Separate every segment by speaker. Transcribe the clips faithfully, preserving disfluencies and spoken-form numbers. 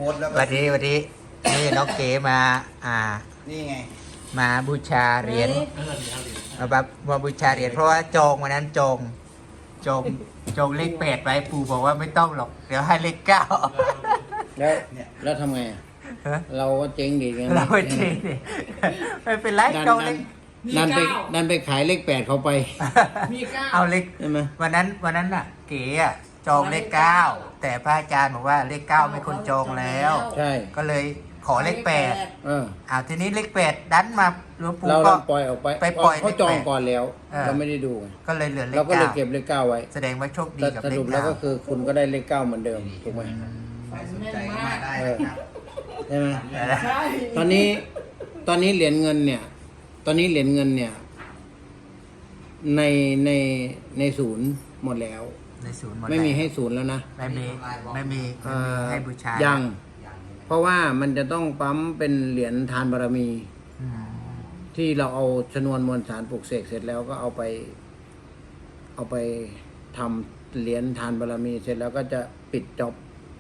Speaker 1: ค้ดแล้ว
Speaker 2: วันนี้วันนี้นี่น้องเก๋มาอ่า
Speaker 1: นี่ไง
Speaker 2: มาบูชาเหรียญมาแบบมาบูชาเหรียญเพราะว่าจองวันนั้นจองจองจองเลขแปดไว้ปู่บอกว่าไม่ต้องหรอกเดี๋ยวให้เลขเก้า
Speaker 3: แล้วแล้วทำไงอะ
Speaker 2: ฮะ
Speaker 3: เราก็เจ๊งดีไง
Speaker 2: เราไม่จริงดิไม่เป็นไร
Speaker 3: ดัน
Speaker 2: จองเล
Speaker 3: ดัน
Speaker 2: ข
Speaker 3: ดันไปดันไปขายเลขแปดเขาไป
Speaker 4: มีเก้า
Speaker 2: เอาเลข
Speaker 3: ใช่ไหม
Speaker 2: วันนั้นวันนั้นน่ะ เก๋อะจองเลขเก้าแต่พระอาจารย์บอกว่าเลขเก้าไม่คนจองแล้ว
Speaker 3: ใช่
Speaker 2: ก็เลยขอเลขแปด
Speaker 3: เออ
Speaker 2: อ้าวทีนี้เลขแปดดันมาหลวงปู่
Speaker 3: เรา
Speaker 2: ก็
Speaker 3: เราปล่อยออกไป
Speaker 2: ไปปล่อย
Speaker 3: เขาจอง
Speaker 2: เลขแปด
Speaker 3: ก่อนแล้ว
Speaker 2: เออ
Speaker 3: เราไม่ได้ดูไง
Speaker 2: ก็เลยเหลือเล
Speaker 3: เรา
Speaker 2: ข
Speaker 3: ก็เลย
Speaker 2: เก้า
Speaker 3: เก็บเลขเก้าไว้
Speaker 2: แสดงว่าโชคดี
Speaker 3: แต่
Speaker 2: กับ
Speaker 3: ส
Speaker 2: เล
Speaker 3: รุ
Speaker 2: ข
Speaker 3: ปแล้ว
Speaker 2: เก้า
Speaker 3: ก็คือคุณก็ได้เลขเก้าเหมือนเดิมถูกไหม
Speaker 1: ใครสนใจก็มาได้นะครับ
Speaker 3: ใช่ไหม
Speaker 4: ใช่
Speaker 3: ตอนนี้ตอนนี้เหรียญเงินเนี่ย ตอนนี้เหรียญเงินเนี่ย ในในในศูนย์หมดแล้ว
Speaker 2: ในศูนย์หมด
Speaker 3: ไม่มี
Speaker 2: แล้ว
Speaker 3: ให้ศูนย์แล้วนะ
Speaker 2: ไม่มีไม่มี
Speaker 3: เอ่
Speaker 2: ไม่มี
Speaker 3: อ
Speaker 2: ให้บูชา
Speaker 3: ยั
Speaker 2: ยัง
Speaker 3: เพราะว่ามันจะต้องปั๊มเป็นเหรียญทานบารมี ที่เราเอาชนวนมวลสารปลูกเสกเสร็จแล้วก็เอาไป เอาไปทำเหรียญทานบารมี เสร็จแล้วก็จะปิดจบ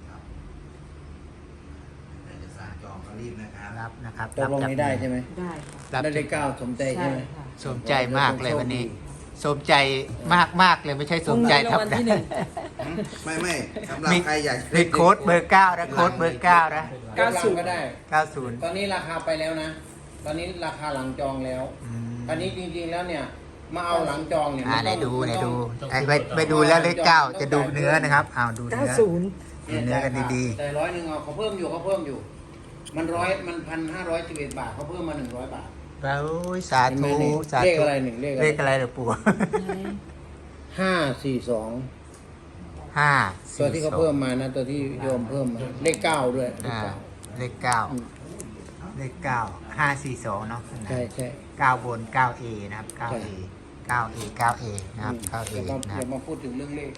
Speaker 1: ใครจะสั่งจองก็รีบนะครับ
Speaker 2: รับนะครับ
Speaker 3: ตกลงนี้ได้ใช่ไหม
Speaker 4: ได้ค่ะ
Speaker 2: รับ
Speaker 3: ได้เลขเก้าสมใจ
Speaker 4: ใช่
Speaker 3: ใช่ไหม
Speaker 4: ค่ะ
Speaker 2: สมใจมากเลยวันนี้ สมใจมากมากเลยไม่ใช่สมใจ
Speaker 4: รางวัลที่หนึ่ง
Speaker 1: ไม่ไม่สำหรับ
Speaker 2: มี
Speaker 1: ใครอยาก
Speaker 2: มีโค้ดเบอร์เก้านะโค้ดเบอร์เก้านะ
Speaker 3: เก้าสิบก็ได้
Speaker 2: เก้าศูนย์
Speaker 3: ตอนนี้ราคาไปแล้วนะ ตอนนี้ราคาหลังจองแล้วตอนนี้จริงๆแล้วเนี่ย มาเอาหลังจองเนี่ย
Speaker 2: อ่า
Speaker 3: มัน
Speaker 2: ไหน
Speaker 3: ต้อง
Speaker 2: ดู
Speaker 3: มัน
Speaker 2: ไหน
Speaker 3: ต้อง
Speaker 2: ดูไอ้ไปไปดูแล้วเลขเก้าจะดูเนื้อนะครับอ้าวดู
Speaker 4: เก้า
Speaker 2: เนื้อ
Speaker 4: ศูนย์
Speaker 2: ดูเนื้อกันดี
Speaker 3: แต่ร้อยหนึ่งเอาเขาเพิ่มอยู่เขาเพิ่มอยู่ มันร้อยมันพันห้าร้อยสิบเอ็ดบาทเขาเพิ่มมาหนึ่งร้อยบาท
Speaker 2: ๆแล้วสาธุสา
Speaker 3: เลข
Speaker 2: ธุ
Speaker 3: อะไรหนึ่งเลขอะไร
Speaker 2: เลขอะไรเหรอปู่
Speaker 3: ห้าสี่สอง
Speaker 2: ห้า
Speaker 3: ตัวที่เขาเพิ่มมานะตัวที่โยมเพิ่มมาเลขเก้าด้วยเลข
Speaker 2: อ่า
Speaker 3: เก้า
Speaker 2: เลขเก้าเลขเก้าห้าสี่สองเนาะ
Speaker 3: ใช่ใช่
Speaker 2: เก้าบนเก้าเอนะครับเก้าเอเก้าเอเก้าเอนะครับเก้าเอ
Speaker 3: อย่ามา
Speaker 2: นะ
Speaker 3: อ
Speaker 2: ครับ
Speaker 3: ย่ามาพูดถึงเรื่องเลข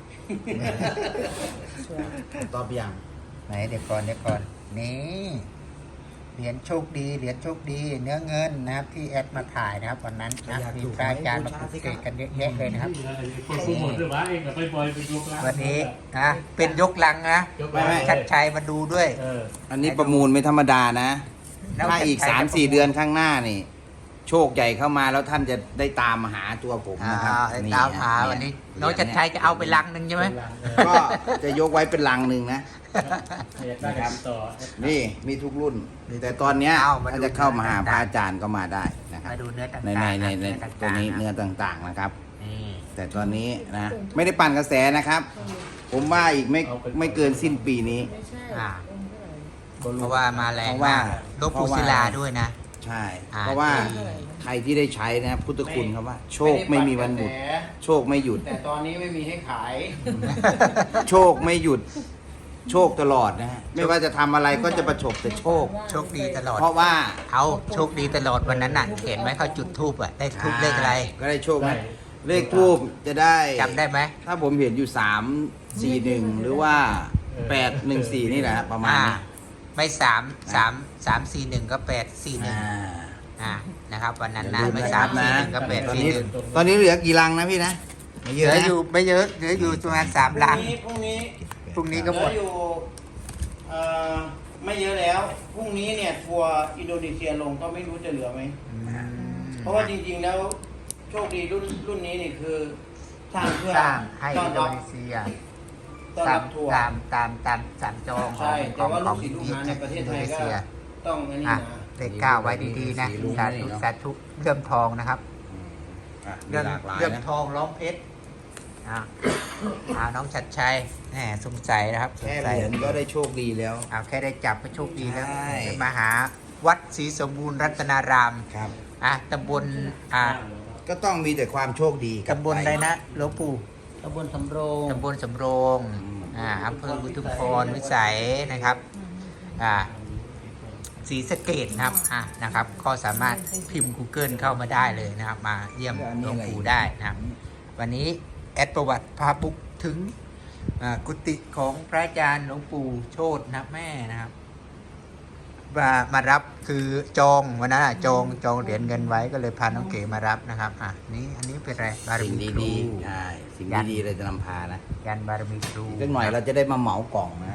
Speaker 1: ตอบยัง
Speaker 2: ไหนเดี๋ยวก่อนเดี๋ยวก่อนนี่เหรียญโชคดีเหรียญโชคดี เนื้อเงินนะครับที่แอดมาถ่ายนะครับวันนั้นนะมีพระอาจารย์มาปลุกเสกกันเยอะแยะเลยนะครับ
Speaker 5: คนผู้หมดหรือว่าเองกับไปบอยไปยกร้าน
Speaker 2: วันนี้นะเป็นยกลังนะ
Speaker 1: ไม่ไม่
Speaker 2: ชัดชัยมาดูด้วย
Speaker 5: เออ
Speaker 1: อันนี้ประมูลไม่ธรรมดานะ
Speaker 2: แล้ว
Speaker 1: ถ้าอีก
Speaker 2: ชัดชัย
Speaker 1: สาม
Speaker 2: จะ
Speaker 1: สี่
Speaker 2: ประมูล
Speaker 1: เดือนข้างหน้านี่ โชคใหญ่เข้ามาแล้วท่านจะได้ตามมาหาตัวผม
Speaker 2: อ่า
Speaker 1: นะครับ
Speaker 2: ตามหาวันนี้น้องชัดชัยจะเอาไปลังหนึ่งใช่ไหม
Speaker 1: ก็จะยกไว้เป็นลังหนึ่งนะ
Speaker 5: อยากได้กันต่อ
Speaker 1: นี่มีทุกรุ่น แต่ตอนเนี้ยถ้าจะเข้ามาหาพระอาจารย์ก็มาได้นะครับ
Speaker 2: มาดูเนื้อต่าง
Speaker 1: ใน
Speaker 2: ๆ
Speaker 1: ในในใน
Speaker 2: เนื้อ
Speaker 1: ตัว
Speaker 2: ต่างๆ
Speaker 1: นี้
Speaker 2: นะ
Speaker 1: เนื้อต่างๆนะครับ
Speaker 2: นี่
Speaker 1: แต่ตอนนี้นะไม่ได้ปั่นกระแสนะครับ ผมว่าอีกไม่ไม่เกินสิ้นปีนี้
Speaker 2: อ่าเพราะว่ามาแรง
Speaker 1: เพราะว่า
Speaker 2: มากหลวงปู่ศิลาด้วยนะ
Speaker 1: ใช่
Speaker 2: อ่า
Speaker 1: เพราะว่าใครที่ได้ใช้นะพุทธคุณครับว่า โชคไม่มีวันหยุด โชคไม่หยุด
Speaker 3: แต่ตอนนี้ไม่มีให้ขาย
Speaker 1: โชคไม่หยุด โชคตลอดนะฮะไม่ว่าจะทำอะไรก็จะประสบแต่โชค
Speaker 2: โชคดีตลอด
Speaker 1: เพราะว่า
Speaker 2: เอาโชคดีตลอดวันนั้นน่ะ เห็นไหมเขาจุดทูบอ่ะ ได้ทูบเลขอะไร
Speaker 1: ก็ได้โชคไหมเลขทูบจะได้
Speaker 2: จำได้ไหม
Speaker 1: ถ้าผมเห็นอยู่สามสี่หนึ่งหรือว่าแปดหนึ่งสี่นี่แหละประมาณ
Speaker 2: อ่า
Speaker 1: นี้
Speaker 2: ไม่สามสามสามสี่หนึ่งก็แปดสี่หนึ่ง
Speaker 1: อ่า
Speaker 2: อ่านะครับวันนั้นนะ
Speaker 1: อย่าลืม
Speaker 2: ไม่
Speaker 1: นะค
Speaker 2: สา
Speaker 1: รั
Speaker 2: ม
Speaker 1: บ
Speaker 2: สี่
Speaker 1: นะ
Speaker 2: หนึ่งก็แปด
Speaker 1: ตอน
Speaker 2: สี่
Speaker 1: นี้
Speaker 2: หนึ่ง
Speaker 1: ตอนนี้เหลือกี่ลังนะพี่นะไม่
Speaker 2: เห
Speaker 1: เย
Speaker 2: ลื
Speaker 1: อะ
Speaker 2: อ
Speaker 1: นะ
Speaker 2: อยู่ไม่เยอะเหลืออยู่ประมาณสามลัง
Speaker 3: พรุ่งนี้
Speaker 2: พรุ่งนี้
Speaker 3: เห
Speaker 2: ก็
Speaker 3: ลื
Speaker 2: หม
Speaker 3: อ
Speaker 2: ด
Speaker 3: อยู่เอ่อไม่เยอะแล้ว พรุ่งนี้เนี่ยทัวร์อินโดนีเซียลงก็ไม่รู้จะเหลือไหม
Speaker 2: อืม
Speaker 3: เพราะว่าจริงๆแล้วโชคดีรุ่นรุ่นนี้นี่คือสร้างเพื่อ
Speaker 2: สร้างให้
Speaker 3: ต้อ
Speaker 2: อิ
Speaker 3: น
Speaker 2: นโด
Speaker 3: รับ
Speaker 2: นีเซีย
Speaker 3: ต้อน
Speaker 2: ตา
Speaker 3: รั
Speaker 2: ม
Speaker 3: บทัวร์
Speaker 2: ตามตามตามสามจองข
Speaker 3: ใช่
Speaker 2: องข
Speaker 3: แต่
Speaker 2: อง
Speaker 3: ว่า
Speaker 2: ข
Speaker 3: ลู
Speaker 2: อก ง
Speaker 3: ศิษย์ลูก
Speaker 2: อิ
Speaker 3: หาในประเทศไทยก็
Speaker 2: เซีย
Speaker 3: ต้องอันนี้
Speaker 2: อ่ะ
Speaker 3: นะ
Speaker 2: เลขเก้าไว้ดีๆนะ
Speaker 1: สีรุ้ง
Speaker 2: สา
Speaker 1: นี่
Speaker 2: ธุ
Speaker 1: เนอะ
Speaker 2: สาธุเรื่องทองนะครับ
Speaker 1: อ่ะมี
Speaker 2: เรื่อง
Speaker 1: หลากหลาย
Speaker 2: เรื่อง
Speaker 1: นะ
Speaker 2: ทองร้องเพชรอ่าอ่าน้องชัดชัยแหมสงสัยนะครับสง
Speaker 1: แค่
Speaker 2: สัย
Speaker 1: เหรียญก็ได้โชคดีแล้ว
Speaker 2: เอาแค่ได้จับก็โชคดีแล้ว
Speaker 1: ใช่
Speaker 2: จะมาหาวัดศรีสมบูรณ์รัตนาราม
Speaker 1: ครับ
Speaker 2: อ่ะตำบลอ่า
Speaker 1: ก็ต้องมีแต่ความโชคดีกลั
Speaker 2: ตำบลอะไรนะหลวงปู่
Speaker 3: ตำบลสำโรง
Speaker 2: ตำบลสำโรงอ่าอำเภออุทุมพรวิสัยนะครับอ่าศรีสะเกดนะครับอ่ะนะครับ ก็สามารถพิมพ์ Google เข้ามาได้เลยนะครับ มาเยี่ยมหลวงปู่ได้นะครับ วันนี้แอดประวัติพาบุกถึงอ่ากุฏิของพระอาจารย์หลวงปู่โชตนะแม่นะครับมามารับคือจองวันนั้นอะจองจองเหรียญเงินไว้ก็เลยพาน้องเก๋มารับนะครับอ่ะนี่อันนี้เป็นอะไรบาร
Speaker 1: สิ่ง
Speaker 2: มีครู
Speaker 1: ดีๆใช่สิ่งดีๆเราจะนำพานะ
Speaker 2: ยันบารมีครู
Speaker 1: อีกสักหน่อยเราจะได้มาเหมากล่องนะครับ
Speaker 2: อืม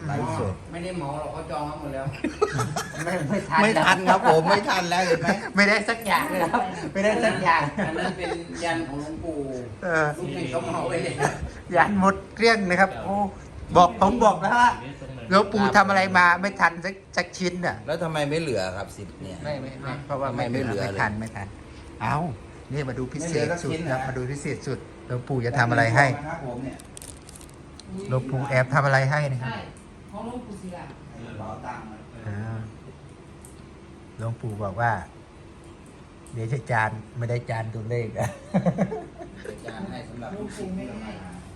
Speaker 1: ไลฟ์สด
Speaker 3: ไม่ได้เหมาหรอกเขาจองมาหมดแล้ว
Speaker 2: ไม่ไม่ทัน
Speaker 1: ไม่ทันครับผมไม่ทันแล้วเห็นไหม
Speaker 2: ไม่ได้สักอย่างเลยครับ ไม่ได้สักอย่าง
Speaker 3: อันนั้นเป็นยันของหลวงปู่
Speaker 2: เออ
Speaker 3: ลูกศิษย์เขาเหมาไปเลย
Speaker 2: ยันหมดเกลี้ยงนะครับ โอ้บอกผมบอกแล้วว่าหลวงปู่ทำอะไรมาไม่ทันสักสักชิ้นอ่ะ
Speaker 1: แล้วทำไมไม่เหลือครับสิบเนี่ย
Speaker 2: ไม่ไม่ไม่เพราะว่าไม่
Speaker 1: ไม่เหลือ
Speaker 2: ไม่
Speaker 1: เลย
Speaker 2: ทันไม่ทัน เอานี่มาดูพิเศษ
Speaker 1: ไม่เหลือสัก
Speaker 2: สุด
Speaker 1: ชิ้น
Speaker 2: ครับ
Speaker 1: นะ
Speaker 2: มาดูพิเศษสุดหลวงปู่จะทำอะไรให้
Speaker 1: ครับผมเนี่ย
Speaker 2: หลวงปู่แอบทำอะไรให้นะครับ
Speaker 4: ใช่ของหลวงปู่ศิลา
Speaker 1: เป๋าตังค์
Speaker 2: อ่าหลวงปู่บอกว่า เดี๋ยวจะจานไม่ได้จานตัวเลขอะ
Speaker 1: อาจารย์ให้สำหรับ
Speaker 4: หลวงปู่ไม่ให้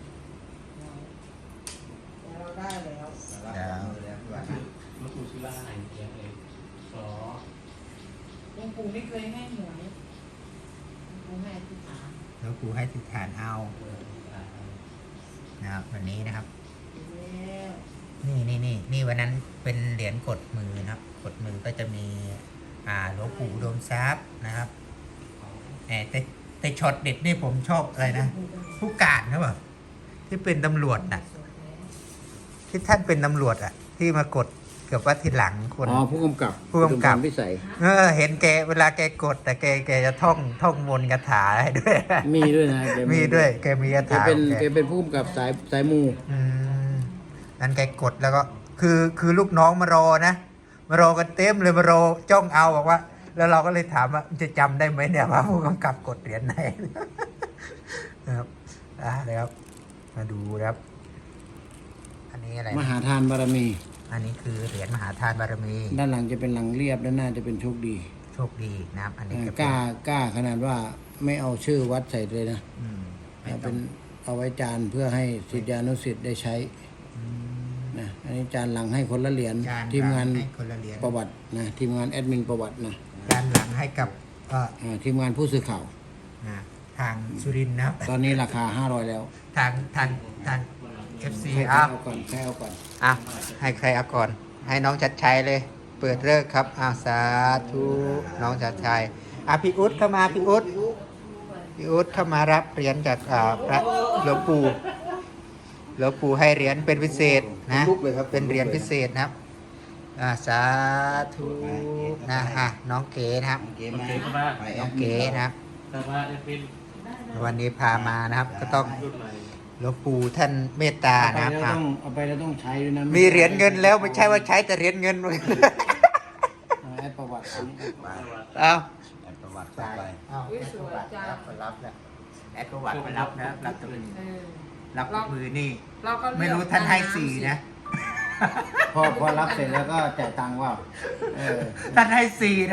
Speaker 4: แต่เราได้แล้ว
Speaker 5: หลวงปู่ศิลาไหนเขียนเองสอ
Speaker 4: หลวงปู่ไม่เคยให้หวยหลวงปู่ให้อธิษฐาน
Speaker 2: หลวงปู่ให้ติดฐานเอานะครับวันนี้นะครับ
Speaker 4: แล้ว
Speaker 2: นี่นี่นี่นี่วันนั้นเป็นเหรียญกดมือนะครับ กดมือก็จะมี อ่าหลวงปู่อุดมทรัพย์นะครับแต่แต่แต่ช็อตเด็ดนี่ผมชอบอะไรนะผู้การนะเปล่าที่เป็นตำรวจน่ะ ที่ท่านเป็นตำรวจอ่ะ ที่มากดเกือบว่าทีหลังคน
Speaker 3: อ๋อผู้กำกับ
Speaker 2: ผู้กำกับ
Speaker 3: อุดมพรพิสัย
Speaker 2: เออเห็นแกเวลาแกกด แต่แกแกจะท่องท่องมนต์คาถาให้ด้วย
Speaker 3: มีด้วยนะแก
Speaker 2: มีด้วยแกมีคา
Speaker 3: แก
Speaker 2: ถา
Speaker 3: เป็น
Speaker 2: ของ
Speaker 3: แก
Speaker 2: แก
Speaker 3: เป็นผู้กำกับสายสายมู
Speaker 2: อืมนั้นแกกดแล้วก็คือคือลูกน้องมารอนะ มารอกันเต็มเลยมารอจ้องเอาบอกว่า แล้วเราก็เลยถามว่าจะจำได้ไหมเนี่ยว่าผู้กำกับกดเหรียญไหน นะครับอ่าเลยครับ มาดูนะครับ อันนี้อะไร
Speaker 3: ม
Speaker 2: นะ
Speaker 3: หาทานบารมี
Speaker 2: อันนี้คือเหรียญมหาทานบารมี
Speaker 3: ด้านหลังจะเป็นหลังเรียบด้านหน้าจะเป็นโชคดี
Speaker 2: โชคดีนะครับ อันนี้
Speaker 3: อ่า
Speaker 2: จะ
Speaker 3: ก
Speaker 2: เป็น
Speaker 3: ล้ากล้าขนาดว่าไม่เอาชื่อวัดใส่เลยนะ
Speaker 2: อืมไม่
Speaker 3: เอา
Speaker 2: ต้
Speaker 3: เป็
Speaker 2: อง
Speaker 3: นเอาไว้จานเพื่อให้ศิษยานุศิษย์ได้ใช้
Speaker 2: อืม
Speaker 3: นะอันนี้จานหลังให้คนละเหรียญ
Speaker 2: จาน
Speaker 3: ทีมงาน
Speaker 2: ให้คนละเหรียญ
Speaker 3: ประวัตินะทีมงานแอดมินประวัตินะ
Speaker 2: จานหลังให้กับเอ่อ
Speaker 3: อ่าทีมงานผู้สื่อข่าว
Speaker 2: นะทางสุรินทร์นะครับ
Speaker 3: ตอนนี้ราคาห้าร้อยแล้ว
Speaker 2: ทางทางทาง เอฟ ซี
Speaker 3: ใคร
Speaker 2: อ่ะ
Speaker 3: เอาก่อนใครเอาก่อน
Speaker 2: อ่ะให้ใครเอาก่อน ให้น้องชัดชัยเลย เปิดเลิกครับอ่าสาธุน้องชัดชัยอ่ะพี่อุ๊ดเข้ามาพี่อุ๊ดพี่อุ๊ดเข้ามารับเหรียญจากอ่าพระหลวงปู่หลวงปู่ให้เหรียญเป็นพิเศษนะ
Speaker 1: ลุกเลยครับ
Speaker 2: เป็นเหรียญพิเศษนะครับอ่าสาธุนะอ่ะน้องเก๋นะครับ
Speaker 1: เกมมาไปแอ
Speaker 2: น้อง
Speaker 1: ดมิ
Speaker 2: เก๋
Speaker 1: น
Speaker 2: นะครับ
Speaker 5: แต่ว่าเอฟเป็น
Speaker 2: วันนี้พามานะครับ ก็ต้อง
Speaker 5: รุ่นใหม่
Speaker 2: หลวงปู่ท่านเมตตา
Speaker 3: เอาไป
Speaker 2: นะครับ
Speaker 3: แล้ว
Speaker 2: อ่ะ
Speaker 3: ต้องเอาไปแล้วต้องใช้ด้วยนะ
Speaker 2: มีเหรียญเงินแล้วไม่ใช่ว่าใช้แต่เหรียญเงิน
Speaker 3: เอาแอดประวัติอันนี้
Speaker 2: เอา
Speaker 1: แอดประวัติต่อไป
Speaker 2: เอาแอดประวัติรับมารับแล้วแอดประวัติมารับนะรับตัวนี้
Speaker 4: เออ
Speaker 2: รับมือนี่
Speaker 4: เราก็เลือก
Speaker 2: ไม่รู้ท่านให้สี่นะ
Speaker 3: พอพอรับเสร็จแล้วก็จ่ายตังค์ว่าเออ
Speaker 2: ท่านให้สี่นะ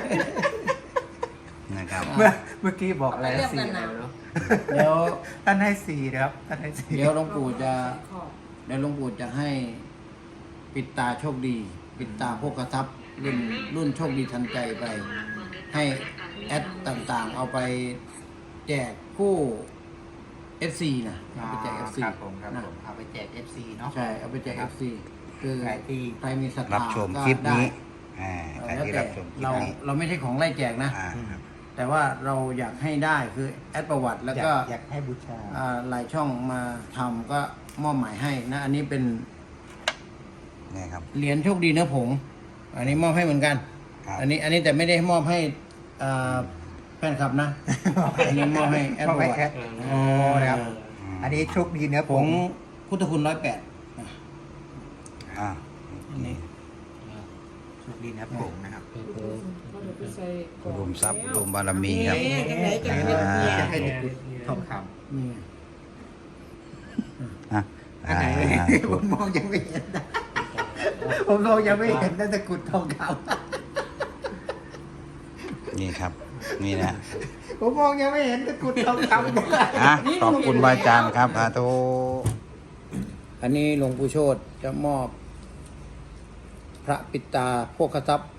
Speaker 1: นะครับ
Speaker 2: เมื่อเมื่อกี้บอกอะไรนะสี่อะไรไม่รู้
Speaker 3: เดี๋ยว
Speaker 2: ท่านให้สี่นะครับท่านให้สี่
Speaker 3: เดี๋ยวหลวงปู่จะ
Speaker 4: ขอบ
Speaker 3: เดี๋ยวหลวงปู่จะให้ปิดตาโชคดี ปิดตาโภคทรัพย์รุ่นรุ่นโชคดีทันใจไป ให้แอดต่างๆ เอาไปแจกผู้ เอฟ ซี นะเอาไปแจก เอฟ ซี
Speaker 2: ครับผมครับ
Speaker 3: นะ
Speaker 2: ผมเอาไปแจก เอฟ ซี เนาะ
Speaker 3: ใช่เอาไปแจก เอฟ ซี คือ
Speaker 2: ใครที่
Speaker 3: ใครมีศรัทธา
Speaker 1: รับชม
Speaker 3: ก็
Speaker 1: คลิปนี้
Speaker 3: ได้
Speaker 1: อ่าใคร
Speaker 3: แล้ว
Speaker 1: ที่
Speaker 3: แต่
Speaker 1: รับชมคลิป
Speaker 3: เรา
Speaker 1: นี้
Speaker 3: เราไม่ใช่ของไล่แจกนะ
Speaker 1: อ่าครับ
Speaker 3: แต่ว่าเราอยากให้ได้คือแอดประวัติแล้วก็
Speaker 2: อยาอยากให้บูชา
Speaker 3: อ่าหลายช่องมาทำก็มอบหมายให้นะ อันนี้เป็น
Speaker 1: นี่ครับ
Speaker 3: เหรียญโชคดีเนื้อผง อันนี้มอบให้เหมือนกัน
Speaker 1: ครับ
Speaker 3: อันนี้อันนี้แต่ไม่ได้มอบให้อ่าแฟนคลับนะ อันนี้มอบให้แอด
Speaker 2: มอบ
Speaker 3: ประ
Speaker 2: ให้
Speaker 3: วัติ
Speaker 2: แอด โอ้นะครับ อันนี้โชคดีเนื้อ
Speaker 3: ผ
Speaker 2: ผ
Speaker 3: ง
Speaker 2: ง
Speaker 3: พุทธคุณร้อยแปด
Speaker 1: อ่า
Speaker 3: อันนี้
Speaker 2: โชคดีเนื้อผงนะครับ
Speaker 4: ก็เดี๋ยวไปใส่กล่
Speaker 1: อุ
Speaker 4: อง
Speaker 1: ดมทรัพย์อุดมบารมีครับ
Speaker 4: เอ๊ะจังไหนจังไหน
Speaker 1: อ่า
Speaker 2: จะให้เด็กทองค
Speaker 3: นี่
Speaker 1: อ่ะ
Speaker 2: ำอันไหน
Speaker 1: อ่า
Speaker 2: ผมมองยังไม่เห็นนะผมมองยังไม่เห็นนะตะกรุดทองค
Speaker 1: นี่ครับ นี่นะ
Speaker 2: ำผมมองยังไม่เห็นตะกรุดทองคำ
Speaker 1: อ่ะขอบคุณวาอาจารย์ครับอาโต
Speaker 3: อันนี้หลวงปู่โชติจะมอบ พระปิดตาโภคทรัพย์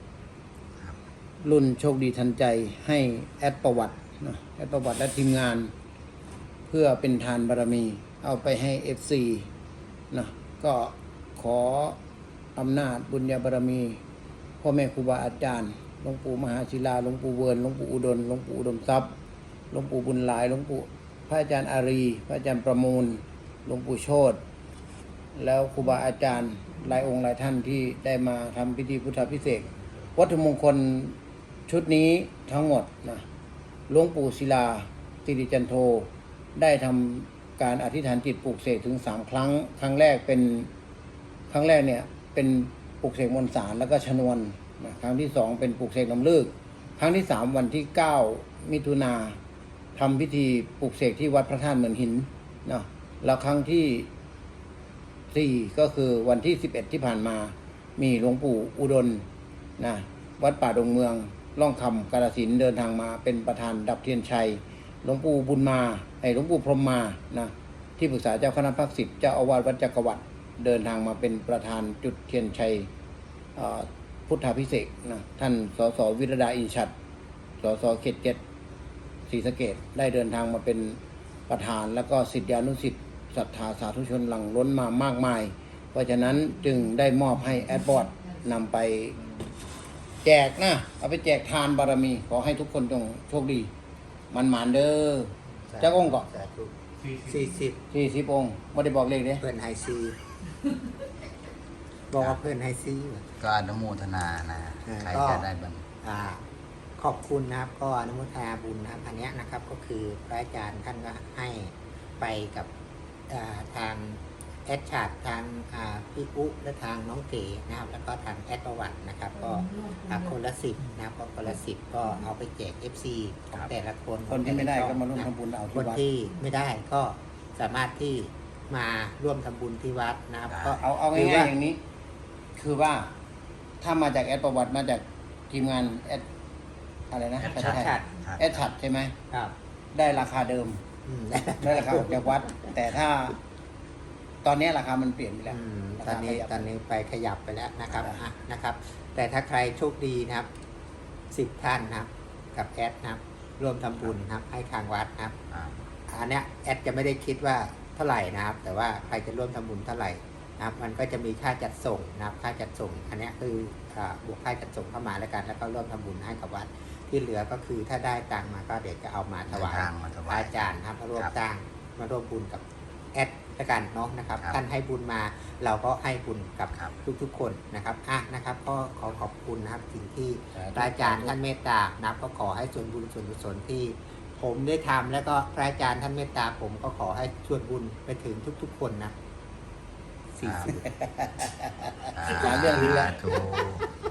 Speaker 3: รุ่นโชคดีทันใจให้แอดประวัตินะแอดประวัติและทีมงาน เพื่อเป็นทานบารมี เอาไปให้ เอฟ ซี นะก็ขออำนาจบุญญาบารมีพ่อแม่ครูบาอาจารย์หลวงปู่มหาศิลาหลวงปู่เวิร์นหลวงปู่อุดมหลวงปู่อุดมทรัพย์หลวงปู่บุญหลายหลวงปู่พระอาจารย์อารี พระอาจารย์ประมูลหลวงปู่โชติแล้วครูบาอาจารย์หลายองค์หลายท่านที่ได้มาทำพิธีพุทธพิเศษกวัตถุมงคลชุดนี้ทั้งหมดนะหลวงปู่ศิลาสิริจันโทได้ทำการอธิษฐานจิตปลูกเสกถึงสามครั้ง ครั้งแรกเป็นครั้งแรกเนี่ยเป็นปลูกเสกมนต์สารแล้วก็ชนวนนะครั้งที่สองเป็นปลูกเสกน้ำเลิกครั้งที่สามวันที่เก้ามิถุนาทำพิธีปลูกเสกที่วัดพระธาตุเหมือนหินนะแล้วครั้งที่สี่ก็คือวันที่สิบเอ็ดที่ผ่านมามีหลวงปู่อุดรนะวัดป่าดงเมืองร่องคำกาฬสินธุ์เดินทางมาเป็นประธานดับเทียนชัยหลวงปู่บุญมาไอ้หลวงปู่พรหมมานะที่ปรึกษาเจ้าคณะภาคสิบเจ้าอาวาสวัดจักรวรรดิเดินทางมาเป็นประธานจุดเทียนชัยพุทธาภิเษกนะท่านสสวิรดาอินชัดสสเขตเจ็ดศรีสะเกษได้เดินทางมาเป็นประธานแล้วก็ศิษยานุศิษย์ศรัทธาสาธุชนหลั่งล้นมามากมาย เพราะฉะนั้นจึงได้มอบให้แอดบอร์ดนำไปแจกนะเอาไปแจกทานบารมี ขอให้ทุกคนจงโชคดี มันหมานเด้อเจ้าองค์ก่อน
Speaker 2: สาธุ
Speaker 5: สี่สิบ
Speaker 2: สี่สิบ
Speaker 3: สี่สิบองค์ไม่ได้บอกเลขเด้
Speaker 2: เพื่อนไฮซีบอกว่าเพื่อนไฮซี
Speaker 1: ก็อนุโมทนานะ
Speaker 2: อ่า
Speaker 1: ใคร
Speaker 2: ก็
Speaker 1: จะได้บัน
Speaker 2: อ่าขอบคุณนะครับ ก็อนุโมทนาบุญนะครับ อันเนี้ยนะครับก็คือพระอาจารย์ท่านก็ให้ไปกับอ่าทางแอดชาร์ดทางอ่าพี่อุ๊และทางน้องเก๋นะครับ แล้วก็ทางแอดประวัตินะครับ ก็อ่าคนละสิบนะครับก็คนละสิบก็เอาไปแจก เอฟ ซี ของแต่ละคน
Speaker 3: คนที่ไม่ได้ก็มาร่วม
Speaker 2: นะ
Speaker 3: ทำบุญเอา
Speaker 2: ค
Speaker 3: ที่
Speaker 2: น
Speaker 3: วัด
Speaker 2: ที่ไม่ได้ก็สามารถที่มาร่วมทำบุญที่วัดนะครับก็
Speaker 3: เอาเอา
Speaker 2: คื
Speaker 3: ง่าย
Speaker 2: ว่า
Speaker 3: ๆอย่างนี้ คือว่าถ้ามาจากแอดประวัติมาจากทีมงานแอดอะไรนะ
Speaker 2: แอด
Speaker 3: ใช่
Speaker 2: ชัด
Speaker 3: แอดชัดใช่ไหม
Speaker 2: ครับ
Speaker 3: ได้ราคาเดิม
Speaker 2: อืม
Speaker 3: ได้ราคาออกจากวัด แต่ถ้า ตอนนี้ราคามันเปลี่ยนไปแล้ว
Speaker 2: อืม
Speaker 3: รา
Speaker 2: ตอ
Speaker 3: คาน
Speaker 2: นี้
Speaker 3: ขยับ
Speaker 2: ตอนนี้ไปขยับไปแล้วนะครับ
Speaker 3: ครับ
Speaker 2: อ่ะนะครับ แต่ถ้าใครโชคดีนะครับสิบท่านนะครับ กับแอดนะครับร่วมทำบุญนะครับ ให้ทางวัดนะครับ
Speaker 1: อ่า
Speaker 2: อันเนี้ยแอดจะไม่ได้คิดว่าเท่าไหร่นะครับ แต่ว่าใครจะร่วมทำบุญเท่าไหร่นะครับ มันก็จะมีค่าจัดส่งนะครับ ค่าจัดส่ง อันเนี้ยคืออ่าบวกค่าจัดส่งเข้ามาแล้วกัน แล้วก็ร่วมทำบุญให้กับวัด ที่เหลือก็คือถ้าได้ตังค์มาก็เดี๋ยวจะเอามาถวาย
Speaker 1: เดินทางมาถวาย
Speaker 2: อาจารย์นะครับมาร่วม
Speaker 1: ครับ
Speaker 2: สร้างมาร่วมบุญกับแอดละกันเนาะนะครับ
Speaker 1: ครับ
Speaker 2: ท่านให้บุญมาเราก็ให้บุญกับ
Speaker 1: ครับ
Speaker 2: ทุกๆคนนะครับอ่ะนะครับ ก็ขอขอบคุณนะครับสิ่งที่
Speaker 3: สาธุ
Speaker 2: พระอาจารย์ท่านเมตตานะครับก็ขอให้ส่วนบุญส่วนกุศลที่ผมได้ทำแล้วก็พระอาจารย์ท่านเมตตาผมก็ขอให้ส่วนบุญไปถึงทุกๆคนนะสี่สิบ
Speaker 3: หลายเรื่องนี้แหละ
Speaker 1: ถูก